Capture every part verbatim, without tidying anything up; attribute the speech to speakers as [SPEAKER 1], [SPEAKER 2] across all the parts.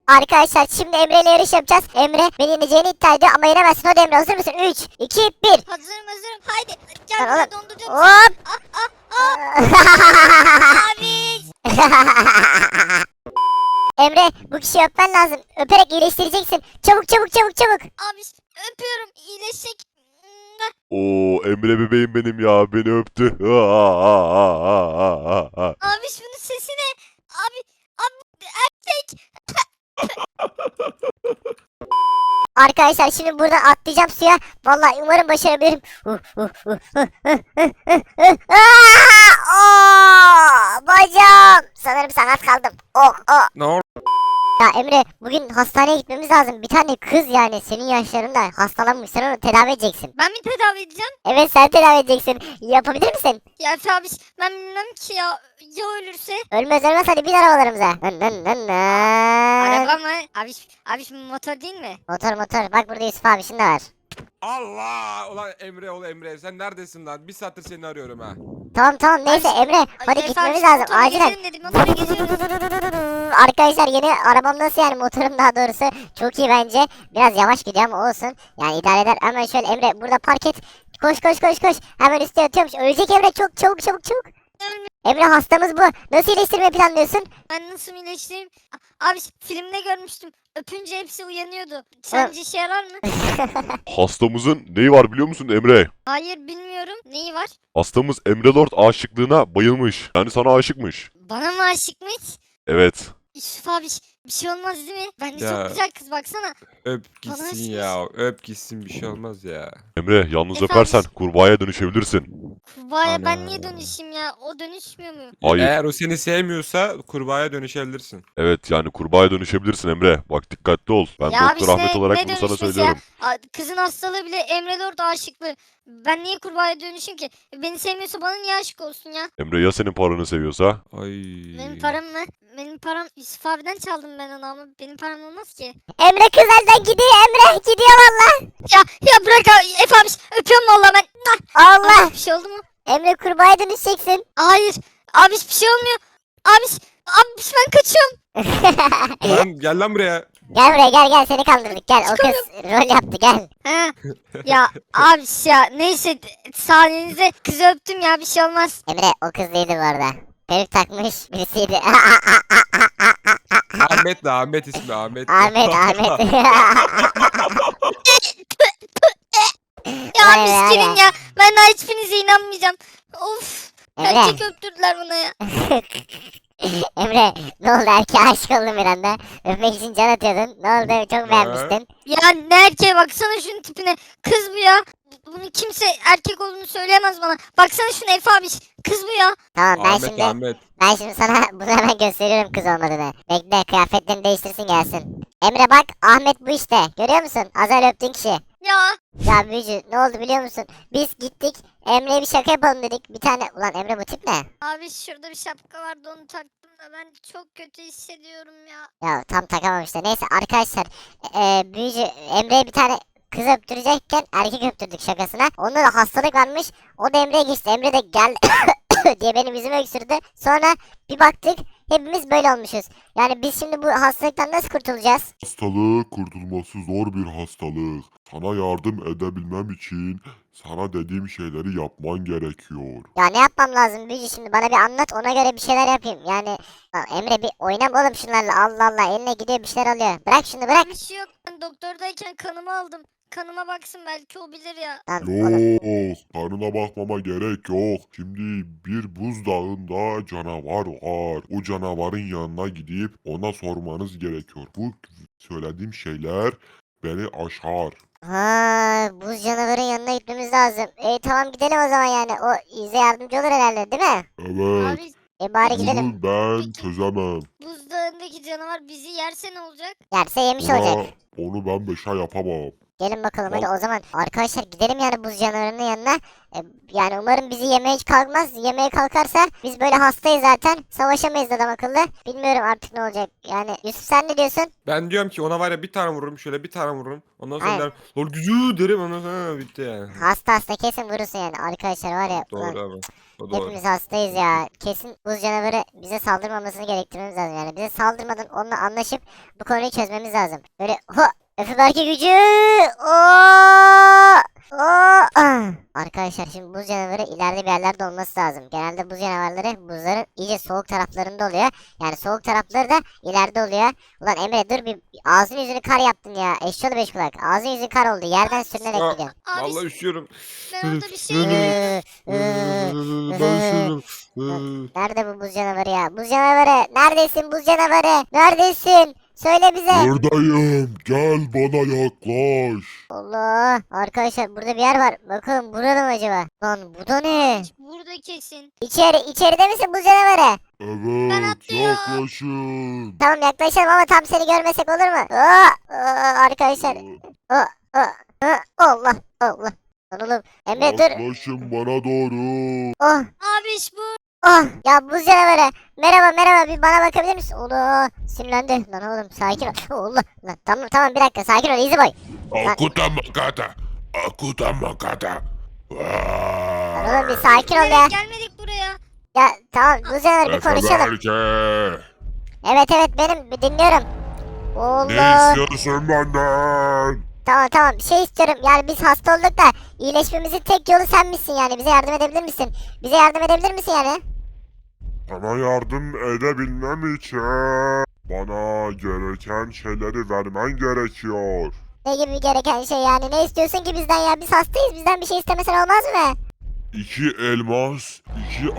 [SPEAKER 1] Arkadaşlar şimdi Emre ile yarış yapacağız. Emre beni yeneceğini iddia ediyor ama yenemezsin. Hadi Emre, hazır mısın? üç, iki, bir.
[SPEAKER 2] Hazırım hazırım. Haydi. Gel
[SPEAKER 1] Lan
[SPEAKER 2] buraya
[SPEAKER 1] oğlum.
[SPEAKER 2] donduracağım.
[SPEAKER 1] Hop.
[SPEAKER 2] Ah ah ah. Abi.
[SPEAKER 1] Emre, bu kişiyi öpmen lazım. Öperek iyileştireceksin. Çabuk çabuk çabuk çabuk.
[SPEAKER 2] Abi öpüyorum. İyileşecek.
[SPEAKER 3] Oo Emre bebeğim benim ya, beni öptü.
[SPEAKER 2] Abi şunun sesi ne? Abi. Abi erkek.
[SPEAKER 1] Arkadaşlar şimdi buradan atlayacağım suya. Vallahi umarım başarabilirim. Aa, bacağım. Sanırım sakat kaldım. Oh oh.
[SPEAKER 4] Ne oldu?
[SPEAKER 1] Ya Emre, bugün hastaneye gitmemiz lazım. Bir tane kız, yani senin yaşlarında, hastalanmış. Sen onu tedavi edeceksin.
[SPEAKER 2] Ben mi tedavi edeceğim?
[SPEAKER 1] Evet, sen tedavi edeceksin. Yapabilir misin?
[SPEAKER 2] Ya Efe abi ben bilmem ki ya. Ya ölürse?
[SPEAKER 1] Ölmez ölmez, hadi bin arabalarımıza. Nın nın nın nın.
[SPEAKER 2] Araba mı? Abi, abi şimdi motor değil mi?
[SPEAKER 1] Motor motor. Bak burada Yusuf abi şimdi var.
[SPEAKER 4] Allah! Ulan Emre ol Emre, sen neredesin lan? Bir saattir seni arıyorum ha.
[SPEAKER 1] Tamam tamam, neyse
[SPEAKER 2] Ay,
[SPEAKER 1] Emre.
[SPEAKER 2] Ay,
[SPEAKER 1] Hadi
[SPEAKER 2] Efe
[SPEAKER 1] gitmemiz
[SPEAKER 2] abi,
[SPEAKER 1] lazım.
[SPEAKER 2] motora
[SPEAKER 1] Acilen.
[SPEAKER 2] gezelim dedim. Motora geziyoruz.
[SPEAKER 1] Arkadaşlar yeni arabam nasıl, yani motorum daha doğrusu çok iyi bence. Biraz yavaş gidiyor ama olsun. Yani idare eder. Hemen şöyle Emre burada park et. Koş koş koş koş. Hemen üstüne atıyormuş. Ölecek Emre, çok çabuk çabuk çabuk.
[SPEAKER 2] Ölmüyor.
[SPEAKER 1] Emre, hastamız bu. Nasıl iyileştirmeyi planlıyorsun?
[SPEAKER 2] Ben nasıl iyileştireyim? A- Abi filmde görmüştüm. Öpünce hepsi uyanıyordu. Sence işe yarar mı?
[SPEAKER 3] Hastamızın neyi var biliyor musun Emre?
[SPEAKER 2] Hayır bilmiyorum. Neyi var?
[SPEAKER 3] Hastamız Emre Lord aşıklığına bayılmış. Yani sana aşıkmış.
[SPEAKER 2] Bana mı aşıkmış?
[SPEAKER 3] Evet.
[SPEAKER 2] Yusuf abi bir şey olmaz değil mi? Bence
[SPEAKER 4] Ya.
[SPEAKER 2] çok güzel kız baksana.
[SPEAKER 4] Öp
[SPEAKER 2] Bana
[SPEAKER 4] gitsin
[SPEAKER 2] aşık
[SPEAKER 4] ya. Öp gitsin, bir şey olmaz ya.
[SPEAKER 3] Emre, yalnız
[SPEAKER 2] Efendim?
[SPEAKER 3] öpersen kurbağaya dönüşebilirsin.
[SPEAKER 2] Kurbağaya ben
[SPEAKER 4] Ana.
[SPEAKER 2] niye dönüşeyim ya? O dönüşmüyor mu?
[SPEAKER 3] Hayır.
[SPEAKER 4] Eğer o seni sevmiyorsa kurbağaya dönüşebilirsin.
[SPEAKER 3] Evet, yani kurbağaya dönüşebilirsin Emre. Bak dikkatli ol. Ben
[SPEAKER 2] Ya abi
[SPEAKER 3] Doktor Ahmet
[SPEAKER 2] işte
[SPEAKER 3] olarak
[SPEAKER 2] ne
[SPEAKER 3] bunu sana
[SPEAKER 2] dönüşmesi ya?
[SPEAKER 3] söylüyorum.
[SPEAKER 2] Aa, kızın hastalığı bile Emre Lord aşıklı. Ben niye kurbağaya dönüşeyim ki? Beni sevmiyorsa bana niye aşık olsun ya?
[SPEAKER 3] Emre ya senin paranı seviyorsa?
[SPEAKER 4] Ay.
[SPEAKER 2] Benim param mı? Benim param Yusuf abiden çaldım ben onu ama benim param olmaz ki.
[SPEAKER 1] Emre kız elden gidiyor. Emre gidiyor valla.
[SPEAKER 2] Ya ya bırak abi Efe abi öpüyorum valla ben. Ah,
[SPEAKER 1] Allah.
[SPEAKER 2] abi, bir şey oldu mu?
[SPEAKER 1] Emre, kurbağaya dönüşeceksin.
[SPEAKER 2] Hayır. Abi bir şey olmuyor. Abi abi ben kaçıyorum.
[SPEAKER 4] Lan gel lan buraya.
[SPEAKER 1] Gel buraya, gel gel, seni kandırdık, gel. O kız rol yaptı, gel.
[SPEAKER 2] Ha. Ya abi ya neyse sayenizde kızı öptüm ya bir şey olmaz.
[SPEAKER 1] Emre, o kız değildi bu arada. Peruk takmış birisiydi.
[SPEAKER 4] Ahmet de Ahmet ismi Ahmet. de.
[SPEAKER 1] Ahmet Ahmet.
[SPEAKER 2] Ya
[SPEAKER 1] Vay
[SPEAKER 2] abi
[SPEAKER 1] be,
[SPEAKER 2] gelin
[SPEAKER 1] vay.
[SPEAKER 2] ya. Ben daha hiçbirinize inanmayacağım. Of.
[SPEAKER 1] Emre.
[SPEAKER 2] Erkek öptürdüler bana ya.
[SPEAKER 1] Emre, ne oldu, erkeğe aşık oldun bir anda. Öpmek için can atıyordun. Ne oldu, çok beğenmiştin.
[SPEAKER 2] Ya ne erkeğe baksana şunun tipine. Kız bu ya. Bunu kimse erkek olduğunu söyleyemez bana. Baksana şuna Efe abi. Kız bu ya.
[SPEAKER 1] Tamam, ben
[SPEAKER 4] Ahmet
[SPEAKER 1] şimdi
[SPEAKER 4] Ahmet.
[SPEAKER 1] ben şimdi sana bunu hemen gösteriyorum kız olmadığını. Bekle, kıyafetlerini değiştirsin gelsin. Emre bak, Ahmet bu işte. Görüyor musun? Az önce öptüğün kişi.
[SPEAKER 2] Ya.
[SPEAKER 1] Ya büyücü, ne oldu biliyor musun? Biz gittik, Emre'ye bir şaka yapalım dedik. Bir tane, ulan Emre bu tip ne?
[SPEAKER 2] Abi şurada bir şapka vardı onu taktım da ben çok kötü hissediyorum ya.
[SPEAKER 1] Ya tam takamamış işte. Neyse arkadaşlar, e, büyücü Emre'ye bir tane kız öptürecekken erkek öptürdük şakasına. Onda da hastalık varmış. O da Emre'ye geçti. Emre de gel diye benim yüzüme öksürdü. Sonra bir baktık, hepimiz böyle olmuşuz. Yani biz şimdi bu hastalıktan nasıl kurtulacağız?
[SPEAKER 5] Hastalık kurtulması zor bir hastalık. Sana yardım edebilmem için sana dediğim şeyleri yapman gerekiyor.
[SPEAKER 1] Ya ne yapmam lazım büyücü, şimdi bana bir anlat, ona göre bir şeyler yapayım. Yani lan Emre, bir oynama oğlum şunlarla, Allah Allah, eline gidiyor bir şeyler alıyor. Bırak şunu, bırak.
[SPEAKER 2] Bir şey yok. Ben doktordayken kanımı aldım. Kanıma baksın belki o bilir ya.
[SPEAKER 1] Lan oğlum.
[SPEAKER 5] Yok, karnına bakmama gerek yok. Şimdi bir buzdağında canavar var. O canavarın yanına gidip ona sormanız gerekiyor. Bu söylediğim şeyler beni aşar.
[SPEAKER 1] Ha, buz canavarın yanına gitmemiz lazım. E tamam, gidelim o zaman yani. O bize yardımcı olur herhalde, değil mi?
[SPEAKER 5] Evet,
[SPEAKER 2] Abi
[SPEAKER 1] E bari gidelim.
[SPEAKER 5] bunu ben çözemem.
[SPEAKER 2] buzdağındaki canavar bizi yerse ne olacak?
[SPEAKER 1] Yerse yemiş
[SPEAKER 5] Ona,
[SPEAKER 1] olacak.
[SPEAKER 5] onu ben beşe yapamam.
[SPEAKER 1] Gelin bakalım hadi
[SPEAKER 5] Al.
[SPEAKER 1] o zaman. Arkadaşlar gidelim yani buz canavarının yanına. E, yani umarım bizi yemeye hiç kalkmaz. Yemeye kalkarsa biz böyle hastayız zaten. Savaşamayız adam akıllı. Bilmiyorum artık ne olacak. Yani Yusuf, sen ne diyorsun?
[SPEAKER 4] Ben diyorum ki ona var ya bir tane vururum, şöyle bir tane vururum. Ondan sonra
[SPEAKER 1] Aynen.
[SPEAKER 4] derim lol gücü derim, ondan sonra bitti yani.
[SPEAKER 1] Hasta hasta kesin vurursun yani. Arkadaşlar var ya. ulan,
[SPEAKER 4] Doğru abi. O doğru.
[SPEAKER 1] Hepimiz hastayız ya. Kesin buz canavarı bize saldırmamasını gerektirmemiz lazım yani. Bize saldırmadan onunla anlaşıp bu konuyu çözmemiz lazım. Böyle ho Efe Berke gücü. Oo! Oo! Ah! Arkadaşlar şimdi buz canavarı ileride bir yerlerde olması lazım. Genelde buz canavarları buzların iyice soğuk taraflarında oluyor. Yani soğuk tarafları da ileride oluyor. Ulan Emre dur bir ağzını yüzünü kar yaptın ya. Eşyalı beş kulak. Ağzın yüzün kar oldu. Yerden sürünerek
[SPEAKER 4] Aa,
[SPEAKER 1] gidiyorsun.
[SPEAKER 2] Abi
[SPEAKER 4] Vallahi üşüyorum.
[SPEAKER 2] ben orada bir şey
[SPEAKER 1] Ee, ee,
[SPEAKER 4] Ben üşüyorum.
[SPEAKER 1] Nerede bu buz canavarı ya? Buz canavarı. Neredesin buz canavarı? Neredesin? Söyle bize.
[SPEAKER 5] Buradayım. Gel bana yaklaş.
[SPEAKER 1] Allah. Arkadaşlar burada bir yer var. Bakalım burada mı acaba? Lan bu da ne?
[SPEAKER 2] burada kesin.
[SPEAKER 1] İçeri, içeride misin buz canavarı?
[SPEAKER 2] Ben
[SPEAKER 5] Evet
[SPEAKER 2] atlıyorum.
[SPEAKER 5] yaklaşın.
[SPEAKER 1] Tamam yaklaşalım ama tam seni görmesek olur mu? Aa, aa, arkadaşlar. Aa, aa, aa, Allah Allah. Lan oğlum. Emre dur.
[SPEAKER 5] Yaklaşın bana doğru.
[SPEAKER 1] Oh.
[SPEAKER 2] Abiş bu.
[SPEAKER 1] Oh ya buz canavarı. Merhaba merhaba bir bana bakabilir misin? Allah sinirlendi. Lan oğlum sakin ol. Allah. Lan tamam tamam bir dakika sakin ol easy boy.
[SPEAKER 5] Akuta makata. Akuta makata.
[SPEAKER 1] Lan oğlum bir sakin ol ya.
[SPEAKER 2] Bilerek gelmedik buraya.
[SPEAKER 1] Ya tamam buz canavarı bir konuşalım.
[SPEAKER 5] Berke.
[SPEAKER 1] Evet evet benim bir dinliyorum.
[SPEAKER 5] Ne
[SPEAKER 1] Allah.
[SPEAKER 5] istiyorsun benden?
[SPEAKER 1] Tamam tamam bir şey istiyorum. Yani biz hasta olduk da iyileşmemizin tek yolu sen misin yani. Bize yardım edebilir misin? Bize yardım edebilir misin yani?
[SPEAKER 5] Sana yardım edebilmem için bana gereken şeyleri vermen gerekiyor.
[SPEAKER 1] Ne gibi gereken şey yani? Ne istiyorsun ki bizden ya? Biz hastayız. Bizden bir şey istemesen olmaz mı?
[SPEAKER 5] İki elmas, iki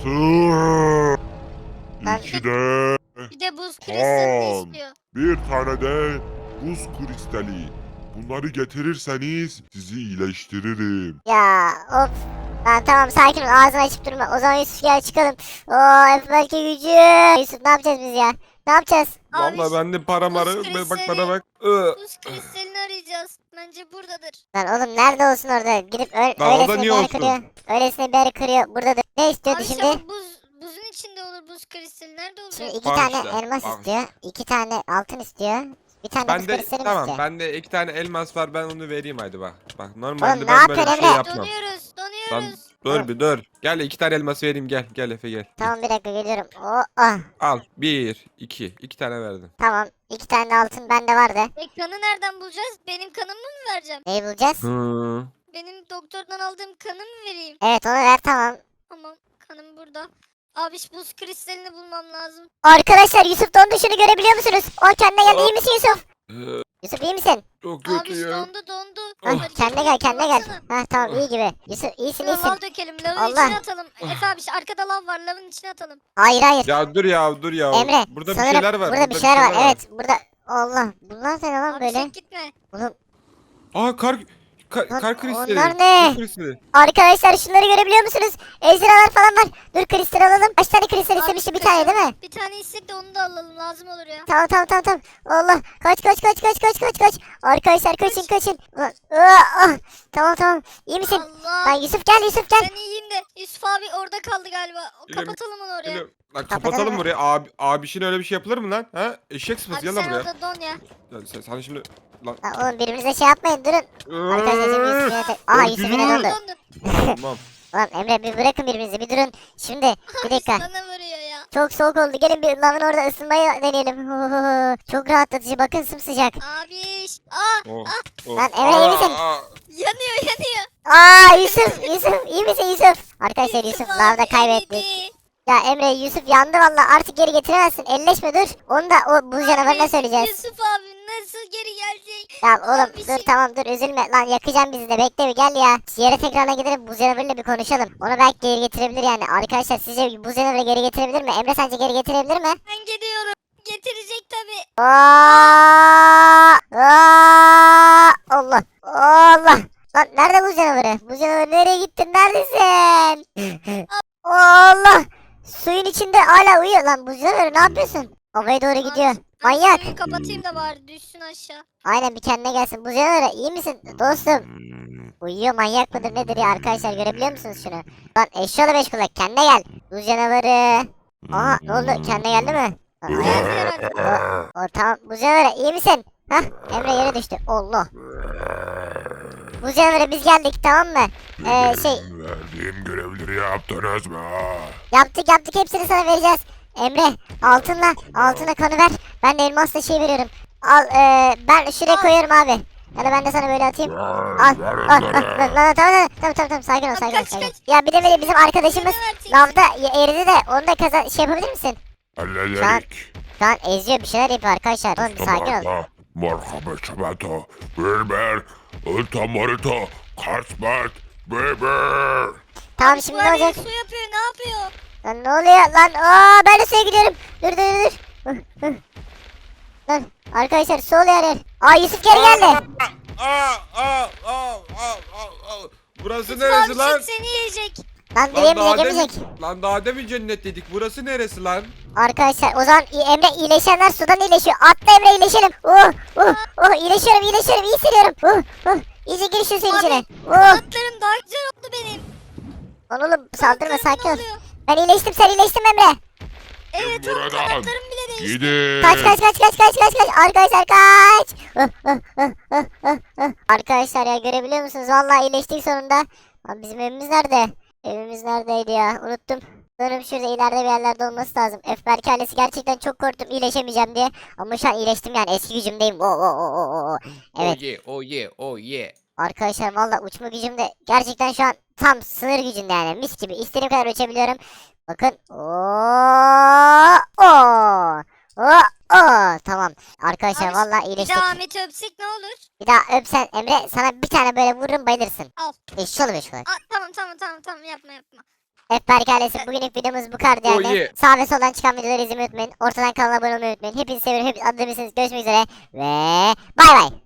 [SPEAKER 5] altın,
[SPEAKER 1] Ben-
[SPEAKER 5] iki de
[SPEAKER 2] Bir de buz kristalini
[SPEAKER 5] Tamam.
[SPEAKER 2] istiyor.
[SPEAKER 5] bir tane de buz kristali. Bunları getirirseniz sizi iyileştiririm.
[SPEAKER 1] Ya of. Lan tamam sakin ol ağzını açıp durma. O zaman Yusuf gel çıkalım. Oo Efe belki gücü. Yusuf ne yapacağız biz ya? Ne yapacağız?
[SPEAKER 2] Abiş
[SPEAKER 4] Vallahi bende para
[SPEAKER 2] buz
[SPEAKER 4] marı. Be- Bak
[SPEAKER 2] kristali.
[SPEAKER 4] bana bak. Iı.
[SPEAKER 2] buz kristalini arayacağız. Bence buradadır.
[SPEAKER 1] Lan oğlum nerede olsun orada? Gidip ö-
[SPEAKER 4] Lan orada
[SPEAKER 1] öylesine bir
[SPEAKER 4] niye
[SPEAKER 1] yere
[SPEAKER 4] olsun?
[SPEAKER 1] kırıyor. Öylesine bir yere kırıyor. Buradadır. Ne istiyordu
[SPEAKER 2] Abiş
[SPEAKER 1] şimdi?
[SPEAKER 2] ama buz, buzun içinde olur buz kristali. Nerede olacak?
[SPEAKER 1] Şimdi iki
[SPEAKER 4] Bak
[SPEAKER 1] tane
[SPEAKER 4] işte,
[SPEAKER 1] elmas
[SPEAKER 4] bak
[SPEAKER 1] istiyor. iki tane altın istiyor. Bir tane de buz
[SPEAKER 4] Bende
[SPEAKER 1] kristali mi
[SPEAKER 4] tamam
[SPEAKER 1] istiyor?
[SPEAKER 4] bende iki tane elmas var ben onu vereyim hadi bak. Bak normalde
[SPEAKER 1] Oğlum, ne
[SPEAKER 4] ben böyle bir
[SPEAKER 1] yapıyorsun
[SPEAKER 4] şey
[SPEAKER 1] Emre?
[SPEAKER 4] yapmam.
[SPEAKER 2] Donuyoruz,
[SPEAKER 4] Lan
[SPEAKER 2] donuyoruz.
[SPEAKER 4] dur bir dur. Gel iki tane elmas vereyim gel. Gel Efe gel.
[SPEAKER 1] Tamam bir dakika geliyorum. Oo, ah,
[SPEAKER 4] Al bir iki. iki tane verdim.
[SPEAKER 1] tamam. iki tane de altın bende vardı.
[SPEAKER 2] E kanı nereden bulacağız? Benim kanımı mı vereceğim?
[SPEAKER 1] Neyi bulacağız?
[SPEAKER 4] Hı.
[SPEAKER 2] Benim doktordan aldığım kanı mı vereyim?
[SPEAKER 1] Evet onu ver tamam.
[SPEAKER 2] Tamam, kanım burada. Abiş buz kristalini bulmam lazım.
[SPEAKER 1] Arkadaşlar Yusuf dondu şunu görebiliyor musunuz? O kendine geldi iyi misin Yusuf?
[SPEAKER 4] Ee,
[SPEAKER 1] Yusuf iyi misin?
[SPEAKER 4] Çok
[SPEAKER 2] Abiş
[SPEAKER 4] kötüyüm.
[SPEAKER 2] dondu dondu.
[SPEAKER 1] Hah,
[SPEAKER 4] Oh.
[SPEAKER 2] Hareket
[SPEAKER 1] kendine gel kendine gel.
[SPEAKER 2] baksana.
[SPEAKER 1] Hah tamam iyi gibi. Yusuf iyisin
[SPEAKER 2] Şuraya
[SPEAKER 1] iyisin.
[SPEAKER 2] lav dökelim. Lavın
[SPEAKER 1] Allah.
[SPEAKER 2] içine atalım. Efe abiş arkada lav var. Lavın içine atalım.
[SPEAKER 1] Hayır hayır.
[SPEAKER 4] Ya dur ya dur ya.
[SPEAKER 1] Emre
[SPEAKER 4] Burada bir
[SPEAKER 1] sanırım
[SPEAKER 4] şeyler var.
[SPEAKER 1] burada bir şeyler var. Evet burada. Allah bunlar ne lan
[SPEAKER 2] Abi
[SPEAKER 1] böyle?
[SPEAKER 2] sen gitme.
[SPEAKER 1] Oğlum
[SPEAKER 4] Aa kar ka-
[SPEAKER 1] Lan
[SPEAKER 4] kar kristali.
[SPEAKER 1] onlar ne?
[SPEAKER 4] Buz kristali.
[SPEAKER 1] arkadaşlar şunları görebiliyor musunuz? Ejderhalar falan var. Dur kristal alalım. Kaç tane kristal
[SPEAKER 2] Abi,
[SPEAKER 1] istemişti bir
[SPEAKER 2] kaçalım.
[SPEAKER 1] tane değil mi?
[SPEAKER 2] Bir tane istek de onu da alalım. Lazım olur ya.
[SPEAKER 1] Tamam tamam tamam tamam. Allah kaç kaç kaç kaç kaç kaç kaç. Arkadaşlar kaçın kaçın. Ulan, ıı, ah. Tamam tamam. İyi misin?
[SPEAKER 2] Allah.
[SPEAKER 1] Lan Yusuf gel Yusuf gel.
[SPEAKER 2] Ben iyiyim de Yusuf abi orada kaldı galiba. O-
[SPEAKER 4] Geliyorum,
[SPEAKER 2] Kapatalım onu oraya.
[SPEAKER 4] Geliyorum. Lan
[SPEAKER 1] Kapatalım
[SPEAKER 4] kapatalım
[SPEAKER 1] mı?
[SPEAKER 4] buraya. Abi abişin öyle bir şey yapılır mı lan? Ha? Eşek sıpası
[SPEAKER 2] Abi
[SPEAKER 4] gel lan
[SPEAKER 2] sen
[SPEAKER 4] buraya.
[SPEAKER 2] orada don ya.
[SPEAKER 4] Ya sen, sen şimdi lan.
[SPEAKER 1] Lan oğlum birbirinize şey yapmayın durun. Arkadaşlar şimdi Yusuf yine tek... Aha Yusuf yine
[SPEAKER 4] Öldürün.
[SPEAKER 1] dondu.
[SPEAKER 2] Dondu.
[SPEAKER 4] Tamam.
[SPEAKER 1] Lan Emre bir bırakın birbirinizi bir durun. Şimdi bir dakika.
[SPEAKER 2] Sana vuruyor ya.
[SPEAKER 1] Çok soğuk oldu. Gelin bir lavın orada ısınmayı deneyelim. Çok rahatlatıcı. Bakın sımsıcak.
[SPEAKER 2] Abiş. Aa
[SPEAKER 4] Oh, oh.
[SPEAKER 1] Lan Emre, iyi misin?
[SPEAKER 4] Aa, aa.
[SPEAKER 2] yanıyor yanıyor.
[SPEAKER 1] Aa Yusuf Yusuf iyi misin Yusuf? Arkadaşlar Yusuf
[SPEAKER 2] abi
[SPEAKER 1] lavda kaybettik.
[SPEAKER 2] eridi.
[SPEAKER 1] Ya Emre Yusuf yandı valla artık geri getiremezsin. Elleşme dur. Onu da o buz canavarına
[SPEAKER 2] Abi,
[SPEAKER 1] söyleyeceğiz.
[SPEAKER 2] Yusuf abi nasıl geri gelecek?
[SPEAKER 1] Ya oğlum
[SPEAKER 2] Abi,
[SPEAKER 1] dur
[SPEAKER 2] şey-
[SPEAKER 1] tamam dur üzülme lan yakacağım bizi de bekle bir gel ya. Yere tekrarına gidelim buz canavarıyla bir konuşalım. Onu belki geri getirebilir yani. Arkadaşlar sizce buz canavarı geri getirebilir mi? Emre sence geri getirebilir mi?
[SPEAKER 2] Ben gidiyorum. Getirecek tabi.
[SPEAKER 1] Aa, aa, Allah Allah. Lan nerede buz canavarı? Buz canavarı nereye gittin? Neredesin? Allah. Suyun içinde hala uyuyor. Lan buz canavarı ne yapıyorsun? Havaya doğru gidiyor. Manyak.
[SPEAKER 2] Suyu kapatayım da bari düşsün aşağı.
[SPEAKER 1] Aynen bir kendine gelsin. Buz canavarı iyi misin dostum? Uyuyor manyak mıdır nedir ya arkadaşlar görebiliyor musunuz şunu? Lan eşyalı beş kulak kendine gel. Buz canavarı. Aha ne oldu kendine geldi mi? Aa,
[SPEAKER 2] Geldi herhalde.
[SPEAKER 1] o, tamam buz canavarı iyi misin? Hah Emre yere düştü. Allah. Bu canavarı biz geldik, tamam mı? Ee, şey
[SPEAKER 5] Benim verdiğim görevleri yaptınız mı?
[SPEAKER 1] yaptık yaptık, hepsini sana vereceğiz. Emre altınla altına kanı ver. Ben de elmasla şey veriyorum. Al ee, ben şuraya
[SPEAKER 2] Al.
[SPEAKER 1] koyuyorum abi. Ya da ben de sana böyle atayım. Al al
[SPEAKER 5] Ver,
[SPEAKER 1] al.
[SPEAKER 5] ver,
[SPEAKER 1] Lan lan tamam tamam tamam tamam tamam sakin ol
[SPEAKER 2] Abi
[SPEAKER 1] sakin ol
[SPEAKER 2] kaç,
[SPEAKER 1] sakin ol.
[SPEAKER 2] kaç.
[SPEAKER 1] Ya bir de böyle bizim arkadaşımız
[SPEAKER 2] Ne vereceksin?
[SPEAKER 1] lavda y- eridi de onu da kaza şey yapabilir misin?
[SPEAKER 5] Hallederik.
[SPEAKER 1] Şu an eziyor, bir şeyler yapıyor arkadaşlar. Oğlum bir sakin ol.
[SPEAKER 5] Tamam. Merhaba Çabato. Berber. Ultamarito. Karsbat. Berber.
[SPEAKER 1] Tamam
[SPEAKER 2] Abi,
[SPEAKER 1] şimdi
[SPEAKER 2] bu
[SPEAKER 1] ne
[SPEAKER 2] her
[SPEAKER 1] olacak?
[SPEAKER 2] yeri Su yapıyor ne yapıyor?
[SPEAKER 1] Lan ne oluyor lan? Aa ben de suya gidiyorum. Dur dur dur. dur. Hı, hı. Lan arkadaşlar su oluyor her yer. Aa Yusuf geri geldi.
[SPEAKER 4] Aa, aa, aa, aa, aa, aa. Burası
[SPEAKER 2] Abi
[SPEAKER 4] neresi lan?
[SPEAKER 2] çek seni yiyecek.
[SPEAKER 1] Lan
[SPEAKER 4] Lan
[SPEAKER 1] direğim
[SPEAKER 4] daha
[SPEAKER 1] gemecek.
[SPEAKER 4] demin, lan daha demin cennet dedik. Burası neresi lan?
[SPEAKER 1] Arkadaşlar o zaman İ- Emre iyileşenler sudan iyileşiyor. Atla Emre iyileşelim. Oh oh oh iyileşiyorum iyileşiyorum iyi hissediyorum. Oh oh iyice gir şu suyun
[SPEAKER 2] Abi,
[SPEAKER 1] içine. Oh.
[SPEAKER 2] Kanatlarım daha güzel oldu benim.
[SPEAKER 1] Lan oğlum saldırma
[SPEAKER 2] Kanatlarım
[SPEAKER 1] sakin
[SPEAKER 2] ne
[SPEAKER 1] ol.
[SPEAKER 2] oluyor?
[SPEAKER 1] Ben iyileştim sen iyileştin mi Emre?
[SPEAKER 2] Evet oğlum
[SPEAKER 5] Buradan.
[SPEAKER 2] kanatlarım bile değişti.
[SPEAKER 5] Gidin.
[SPEAKER 1] Kaç kaç kaç kaç kaç kaç kaç arkadaşlar kaç. Ah, ah, ah, ah, ah, ah. Arkadaşlar ya görebiliyor musunuz? Vallahi iyileştik sonunda. Lan bizim evimiz nerede? Evimiz neredeydi ya? Unuttum. Sanırım şurada ileride bir yerlerde olması lazım. F Berk ailesi gerçekten çok korktum iyileşemeyeceğim diye. Ama şu an iyileştim yani eski gücümdeyim. Oo, oo, oo, oo, oo. Evet
[SPEAKER 4] Oh yeah, oh yeah, oh yeah.
[SPEAKER 1] arkadaşlar valla uçma gücüm de gerçekten şu an tam sınır gücünde yani mis gibi istediğim kadar uçabiliyorum. Bakın. Oo, oo, oo, oo. Tamam. Arkadaşlar
[SPEAKER 2] Abi,
[SPEAKER 1] valla
[SPEAKER 2] Bir
[SPEAKER 1] iyileştik.
[SPEAKER 2] de Ahmet'i öpsek ne olur?
[SPEAKER 1] Bir daha öpsen Emre sana bir tane böyle vururum bayılırsın.
[SPEAKER 2] Al.
[SPEAKER 1] Eşşi olur eşşi olur.
[SPEAKER 2] Aa, tamam tamam tamam tamam yapma yapma.
[SPEAKER 1] F Berk ailesi bugünlük videomuz bu kadar
[SPEAKER 4] Oh
[SPEAKER 1] yani.
[SPEAKER 4] yeah.
[SPEAKER 1] Sağ ve soldan çıkan videoları izlemeyi unutmayın. Ortadan kanala abone olmayı unutmayın. Hepinizi seviyorum. Hepinizi adlı Görüşmek üzere. Ve bay bay.